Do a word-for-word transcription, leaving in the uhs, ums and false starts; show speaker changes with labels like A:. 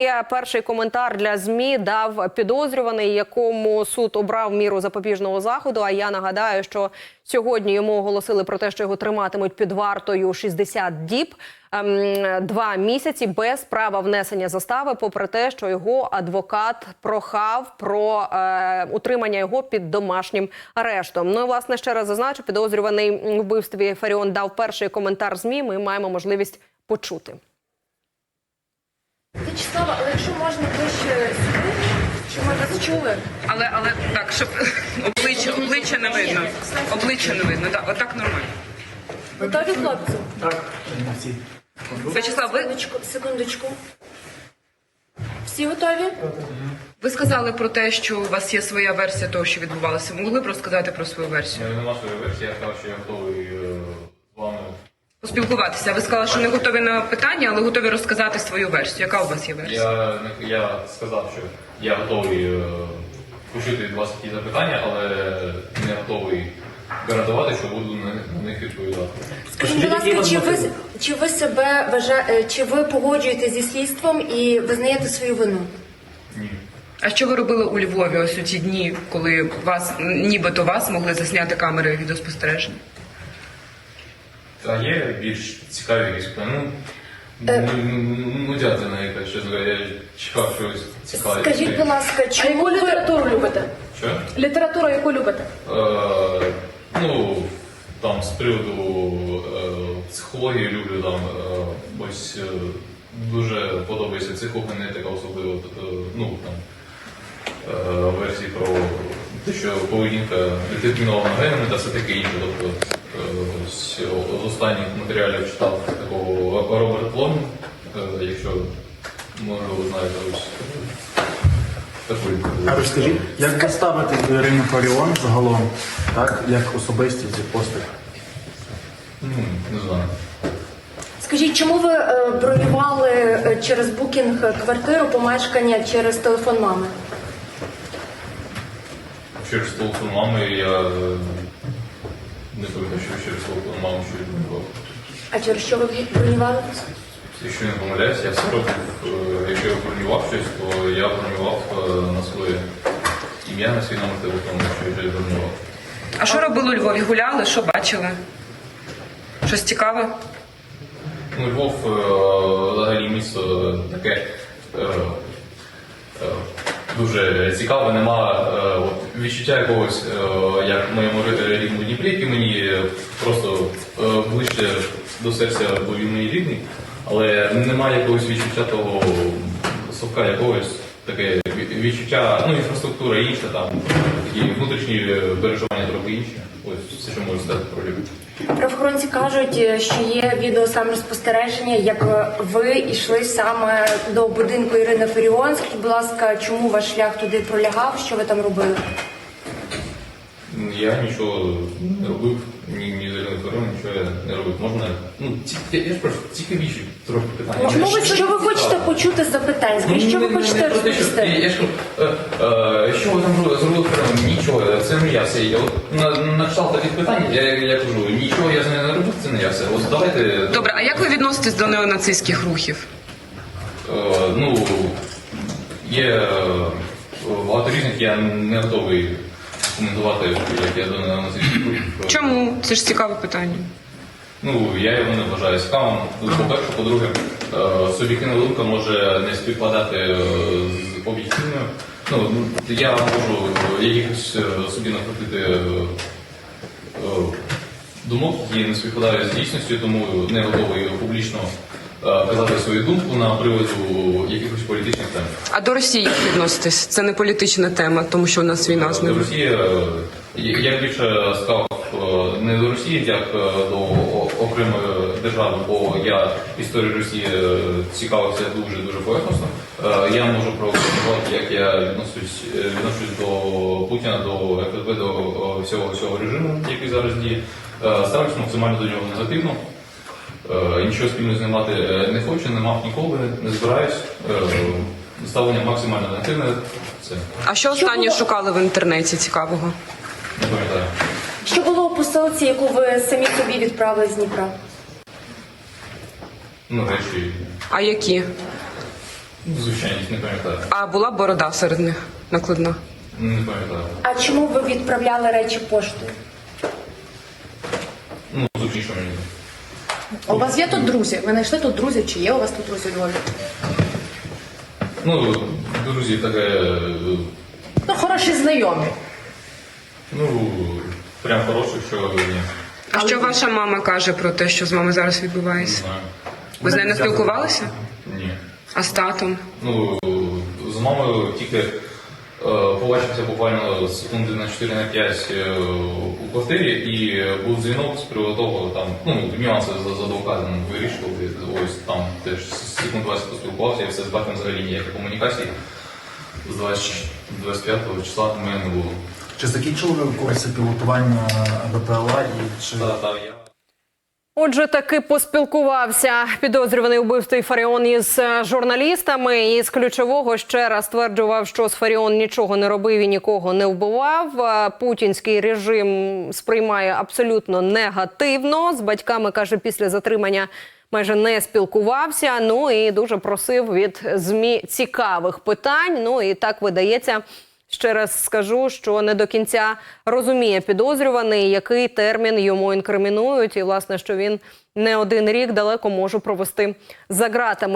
A: Перший коментар для ЗМІ дав підозрюваний, якому суд обрав міру запобіжного заходу. А я нагадаю, що сьогодні йому оголосили про те, що його триматимуть під вартою шістдесят діб, два місяці без права внесення застави, попри те, що його адвокат прохав про е, утримання його під домашнім арештом. Ну і, власне, ще раз зазначу, підозрюваний у вбивстві Фаріон дав перший коментар ЗМІ. Ми маємо можливість почути.
B: Вячеслава, але якщо можна ближче сюди, щоб ми вас чули.
C: Але, але так, щоб обличчя, обличчя не видно. Обличчя не видно, так, отак нормально.
B: Готові, хлопці?
D: Так,
C: Вячеслав, ви,
B: Секундочку, секундочку. Всі готові?
C: ви сказали про те, що у вас є своя версія того, що відбувалося. Могли б розказати про свою версію?
E: Нема своєї версії, я сказав, що я готовий е, з вами.
C: Поспілкуватися. Ви сказали, що не готові на питання, але готові розказати свою версію. Яка у вас є версія?
E: Я, не- я сказав, що я готовий е, почути від вас такі запитання, але не готовий гарантувати, що буду на, на них відповідати.
B: Скажіть, будь ласка, чи ви, чи ви себе вважаєте, чи ви погоджуєтеся зі слідством і визнаєте свою вину?
E: Ні.
C: А що ви робили у Львові ось у ті дні, коли вас, нібито вас могли засняти камери відеоспостереження?
E: А є більш цікаві якісь питання? Ну,
B: Е.
E: ну, ну, ну, дядя на яке, чесно говоря, я чекав щось цікаве.
B: Скажіть, будь ласка,
F: А
B: чому
F: яку
B: ви...
F: літературу любите?
E: Що?
F: Літературу яку любите?
E: Е, ну, там з приводу е, психології люблю там е, ось е, дуже подобається психогенетика, особливо е, ну там е, версії про те, що поведінка детермінована генами та все таке інше. Тобто е, ось з останніх матеріалів читав такого Роберт Плом, е, якщо може ви знаєте ось.
D: А розкажіть, як ви ставитесь до Ірини Фаріон загалом, так, як особистість і постать?
E: Ну, не знаю.
B: Скажіть, чому ви е, бронювали е, через букінг квартиру, помешкання через телефон мами?
E: Через телефон мами я е, не пам'ятаю, що через телефон мами що відбував.
B: А через що ви бронювали?
E: Якщо не помиляюсь, я все робив. Е, Якщо я бронював щось, то я бронював е, на своє ім'я, на свій номер телефону, що я вже бронював.
C: А що робили у Львові? Гуляли? Що бачили? Щось цікаве?
E: Ну, Львов е, взагалі місто таке е, е, дуже цікаве, нема е, от, відчуття якогось, е, як в моєму рідному Дніпрі, який мені просто е, ближче до серця, бо він мій рідний, але немає якогось відчуття того совка якогось, таке відчуття, ну, інфраструктура інша, там такі внутрішні переживання трохи інші. Ось все, що можу сказати про Львів.
B: Правоохоронці кажуть, що є відеосамоспостереження, як ви йшли саме до будинку Ірини Фаріон. Скажіть, будь ласка, чому ваш шлях туди пролягав? Що ви там робили?
E: Я нічого не робив, ні, ні з Іриною Фаріон, нічого я не робив. Можна, ну, ці, я, я ж прошу, цікавіші трохи питання.
B: Чому ви, що ви хочете почути з запитань? Скажіть, що ви
E: Ну, не-
B: хочете
E: не про те, що-
B: розповісти?
E: Я ж кажу, е, е, що ви там зробили зробили Фаріон? Нічого, це не я все. Я от на, на кшталт таких питань, я, я кажу, нічого я з нею не робив, це не я все. Ось давайте...
C: Добре, а як ви відноситесь до неонацистських рухів?
E: Е, ну, є е, багато різних, я не готовий коментувати, як я до неонацистських рухів.
C: Чому? Це ж цікаве питання.
E: Ну, я його не вважаю цікавим. По-перше, по-друге, е, суб'єктивна думка може не співпадати е, з об'єктивною. Ну, я можу якихось е, собі накрутити е, е, думок, які не співпадають з дійсністю, тому не готовий публічно е, казати свою думку на приводу якихось політичних тем.
C: А до Росії як відноситесь? Це не політична тема, тому що у нас війна з
E: До
C: ними.
E: Росії, е, я більше сказав е, не до Росії, як е, до о- окремої держави, бо я історію Росії е, цікавився дуже-дуже поверхносно. Е, Я можу прокоментувати, як я відношусь, е, відношусь до Путіна, до еф ес бе, до е, всього цього режиму, який зараз діє. Е, Ставлюсь максимально до нього негативно. Е, Нічого спільно з ним мати е, не хочу, не мав ніколи, не збираюсь. Е, Ставлення максимально негативне. Це
C: А що останнє шукали в інтернеті цікавого?
E: не пам'ятаю.
B: Що було у посилці, яку ви самі собі відправили з Дніпра?
E: Ну, речі.
C: А які?
E: Звичайність, не пам'ятаю.
C: А була борода серед них накладна?
E: Не пам'ятаю.
B: А чому ви відправляли речі поштою?
E: Ну, зручніше мені.
F: А у вас є тут друзі? Ви знайшли тут друзів? Чи є у вас тут друзі у Львові?
E: Ну, друзі, таке, е,
F: Ну, хороші знайомі.
E: ну, прям хороше, що ні.
C: А що ваша мама каже про те, що з вами зараз
E: Не
C: відбувається?
E: знаю.
C: Ви з нею не спілкувалися?
E: Ні.
C: А з татом?
E: Ну, з мамою тільки е, побачився буквально секунди на чотири на п'ять е, у квартирі, і був дзвінок з приводу того, там, ну, нюанси з, з адвокатом вирішували. Ось там теж секунд двадцять поспілкувався, і все з батьком взагалі ніякої комунікації. З двадцять п'ятого числа в мене не було.
D: Чи закінчили ви курси пілотування БПЛА і чи
E: Та, та, я...
A: Отже, таки поспілкувався підозрюваний у вбивстві Фаріон із журналістами. І з ключового ще раз стверджував, що Сфаріон нічого не робив і нікого не вбивав. Путінський режим сприймає абсолютно негативно. З батьками, каже, після затримання майже не спілкувався. Ну і дуже просив від ЗМІ цікавих питань. Ну і так видається. Ще раз скажу, що не до кінця розуміє підозрюваний, який термін йому інкримінують, і, власне, що він не один рік далеко може провести за ґратами.